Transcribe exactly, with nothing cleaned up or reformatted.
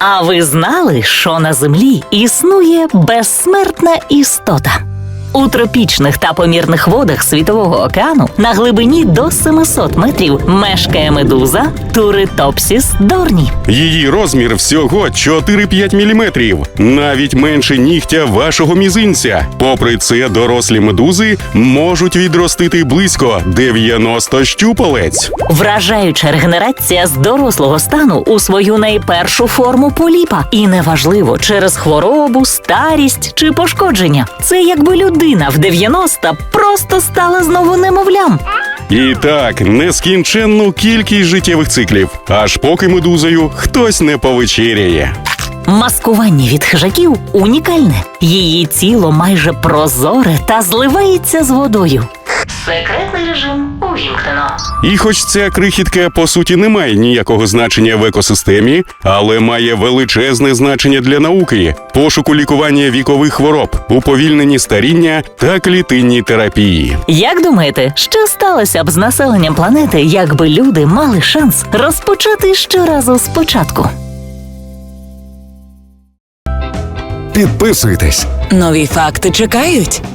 А ви знали, що на Землі існує безсмертна істота? У тропічних та помірних водах Світового океану на глибині до семисот метрів мешкає медуза Туритопсіс дорні. Її розмір всього чотири-п'ять міліметрів, навіть менше нігтя вашого мізинця. Попри це, дорослі медузи можуть відростити близько дев'яносто щупалець. Вражаюча регенерація з дорослого стану у свою найпершу форму поліпа. І неважливо, через хворобу, старість чи пошкодження. Це якби людина в дев'яносто просто стала знову немовлям. І так, нескінченну кількість життєвих циклів, аж поки медузою хтось не повечеряє. Маскування від хижаків унікальне. Її тіло майже прозоре та зливається з водою. Секретний режим увімкнено. І хоч ця крихітка, по суті, не має ніякого значення в екосистемі, але має величезне значення для науки, пошуку лікування вікових хвороб, уповільненні старіння та клітинній терапії. Як думаєте, що сталося б з населенням планети, якби люди мали шанс розпочати щоразу спочатку? Підписуйтесь. Нові факти чекають.